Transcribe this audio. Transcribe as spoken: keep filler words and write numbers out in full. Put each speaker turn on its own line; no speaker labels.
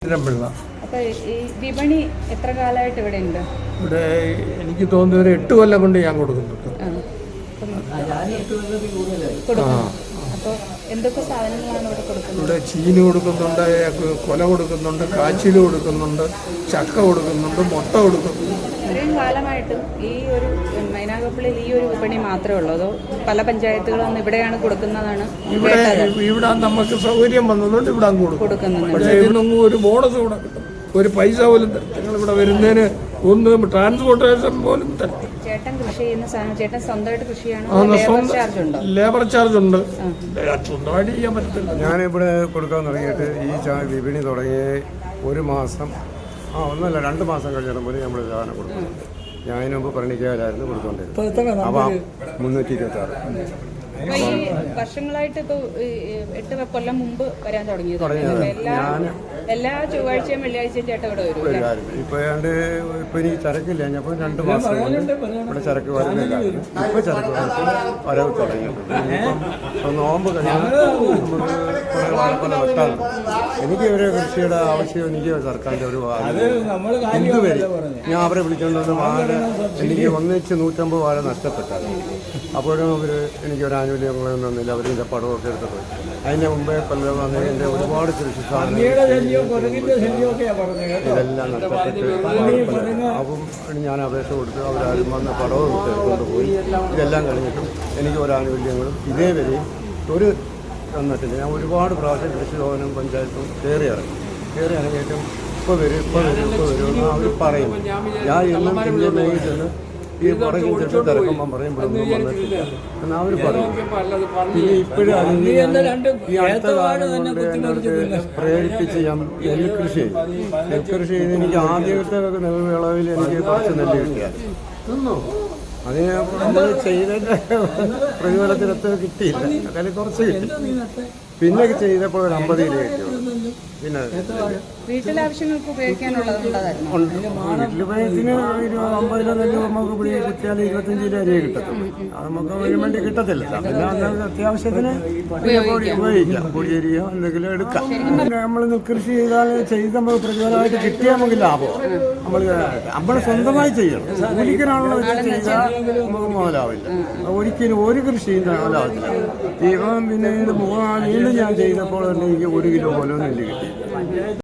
പിള്ള.
അപ്പോൾ ഈ വിപണി എത്ര കാലമായിട്ട് ഇവിടെ ഉണ്ട്?
ഇവിടെ എനിക്ക് തോന്നുന്ന ഒരു എട്ട് കൊല്ലം കൊണ്ട് ഞാൻ കൊടുക്കുന്നുണ്ട്.
അപ്പോൾ എന്തൊക്കെ സാധനങ്ങളാണ് ഇവിടെ കൊടുക്കുന്നത്?
ഇവിടെ ചീനി കൊടുക്കുന്നുണ്ട്, കൊല കൊടുക്കുന്നുണ്ട്, കാച്ചിൽ കൊടുക്കുന്നുണ്ട്, ചക്ക കൊടുക്കുന്നുണ്ട്, മുട്ട കൊടുക്കുന്നുണ്ട്.
ഇത്രയും കാലമായിട്ടും ഈ ഒരു മൈനാഗപ്പള്ളിയിൽ ഈ ഒരു വിപണി മാത്രമേ ഉള്ളൂ, അതോ പല പഞ്ചായത്തുകളും ഇവിടെയാണ് കൊടുക്കുന്നതാണ്?
ഇവിടെ ഇവിടെ നമുക്ക് സൗകര്യം വന്നതുകൊണ്ട് ഇവിടെ അങ്ങ് കൊടുക്കുന്നത്. പക്ഷേ ഇതിനൊന്നും ഒരു ബോണസ് കൂടെ കിട്ടും, ഒരു പൈസ പോലും തരും. നിങ്ങൾ ഇവിടെ വരുന്നതിന് ഒന്നും ട്രാൻസ്പോർട്ടേഷൻ പോലും തരും.
ചേട്ടൻ കൃഷി ചെയ്യുന്ന സാധനം ചേട്ടൻ സ്വന്തമായിട്ട് കൃഷിയാണ്?
ലേബർ ചാർജ് ഉണ്ട്, സ്വന്തമായിട്ട് ചെയ്യാൻ പറ്റത്തില്ല.
ഞാനിവിടെ കൊടുക്കാൻ തുടങ്ങിയിട്ട് ഈ വിപണി തുടങ്ങി ഒരു മാസം ആ ഒന്നല്ല രണ്ട് മാസം കഴിഞ്ഞപ്പോൾ നമ്മൾ സാധനം കൊടുക്കും. ഞാൻ അതിന് മുമ്പ് പണിക്കാരായിരുന്നു കൊടുത്തോണ്ടിരുന്നത്. അപ്പം മുന്നൂറ്റി ഇരുപത്തി ആറ്
വർഷങ്ങളായിട്ട് ഇപ്പൊ എട്ട് കൊല്ലം മുമ്പ് വരാൻ തുടങ്ങിയത്. എല്ലാ എല്ലാ ചൊവ്വാഴ്ചയും വെള്ളിയാഴ്ചയും ചേട്ടൻ ഇവിടെ വരും.
ഇപ്പൊ ഏതാണ്ട് ഇപ്പൊ എനിക്ക് ചരക്കില്ല, ഞാൻ രണ്ട് മാസം ഇവിടെ ചരക്ക് വരുന്നില്ല. ഇപ്പൊ ചരക്ക് വരവ് തുടങ്ങിയിട്ടുണ്ട്. ഇപ്പം നോമ്പ് കഴിഞ്ഞാൽ നമുക്ക് കുറെ വാഴപ്പല വെട്ടാറുണ്ട്. എനിക്ക് ഒരു കൃഷിയുടെ ആവശ്യം എനിക്ക് സർക്കാരിന്റെ ഒരു ഇതുവരെ ഞാൻ അവരെ വിളിച്ചുകൊണ്ടൊന്ന് വാഴ എനിക്ക് ഒന്നിച്ച് നൂറ്റമ്പത് വാഴ നഷ്ടപ്പെട്ടായിരുന്നു. അപ്പോഴും അവർ എനിക്ക് ഒരു ആനുകൂല്യങ്ങളൊന്നും തന്നില്ല. അവരിൻ്റെ പടമൊക്കെ എടുത്ത് പോയി. അതിൻ്റെ മുമ്പേ കൊല്ലം വന്ന് എൻ്റെ ഒരുപാട് കൃഷി സാധനങ്ങൾ ഇതെല്ലാം നഷ്ടപ്പെട്ട് അപ്പം ഞാൻ അപേക്ഷ കൊടുത്ത് അവരാരും വന്ന് പടവും എടുത്തുകൊണ്ട് പോയി. ഇതെല്ലാം കഴിഞ്ഞിട്ടും എനിക്ക് ഒരു ആനുകൂല്യങ്ങളും ഇതേവരെയും ഒരു തന്നിട്ടില്ല. ഞാൻ ഒരുപാട് പ്രാവശ്യം കൃഷി ഭവനും പഞ്ചായത്തും കയറി ഇറങ്ങി കയറി ഇറങ്ങിയിട്ടും ഇപ്പോൾ വരും ഇപ്പോൾ വരും ഇപ്പോൾ വരുമെന്ന് അവർ പറയും. ഞാൻ എന്നും എൻ്റെ മെയിൽ ചെന്ന് ഈ പറയും ചെട്ട് തിരക്കുമ്പം പറയും ഇവിടെ വന്നിട്ടില്ല എന്ന് അവർ പറയും. പിന്നെ ഇപ്പോഴും ഈ അടുത്ത കാലം കൊണ്ട് എന്നോട് പ്രേരിപ്പിച്ച് ഞാൻ നെൽകൃഷി ചെയ്യും. നെൽകൃഷി ചെയ്ത് എനിക്ക് ആദ്യത്തെ നെൽവിളവിൽ എനിക്ക് കുറച്ച് നെല്ല് കിട്ടിയായിരുന്നു. അതിന് നമ്മൾ ചെയ്തതിൻ്റെ പ്രതിഫലത്തിനൊത്ത് കിട്ടിയില്ല, അതിൽ കുറച്ച് കിട്ടി. പിന്നെ ചെയ്തപ്പോൾ ഒരു അമ്പത് കിലോ കിട്ടിയുള്ളൂ. പിന്നെ
വീട്ടിലാവശ്യങ്ങൾക്ക് ഉപയോഗിക്കാനുള്ളതുണ്ടായിരുന്നു.
വീട്ടിലുപയോഗത്തിന് അമ്പത് കിലോ നെല്ല് നമുക്ക് ഇവിടെ കിട്ടിയാൽ ഇരുപത്തഞ്ച് കിലോ അരിയെ കിട്ടത്തുള്ളൂ. അത് നമുക്ക് അതിന് വേണ്ടി കിട്ടത്തില്ല. പിന്നെ അന്ന് അത്യാവശ്യത്തിന് ഉപയോഗിക്കാം, പൊടിയരിയോ എന്തെങ്കിലും എടുക്കാം. നമ്മൾ കൃഷി ചെയ്താൽ ചെയ്ത് നമുക്ക് പ്രതിഫലമായിട്ട് കിട്ടിയാൽ നമുക്ക് ലാഭം. നമ്മൾ നമ്മൾ സ്വന്തമായി ചെയ്യണം. ഒരിക്കലാണല്ലോ ചെയ്താൽ നമുക്ക് മുതലാവില്ല. ഒരിക്കലും ഒരു കൃഷിയും മുതലാവത്തില്ല. ഇപ്പം പിന്നെ വീണ്ടും ഞാൻ ചെയ്തപ്പോൾ തന്നെ എനിക്ക് ഒരു കിലോ പോലും നെല്ല് കിട്ടി.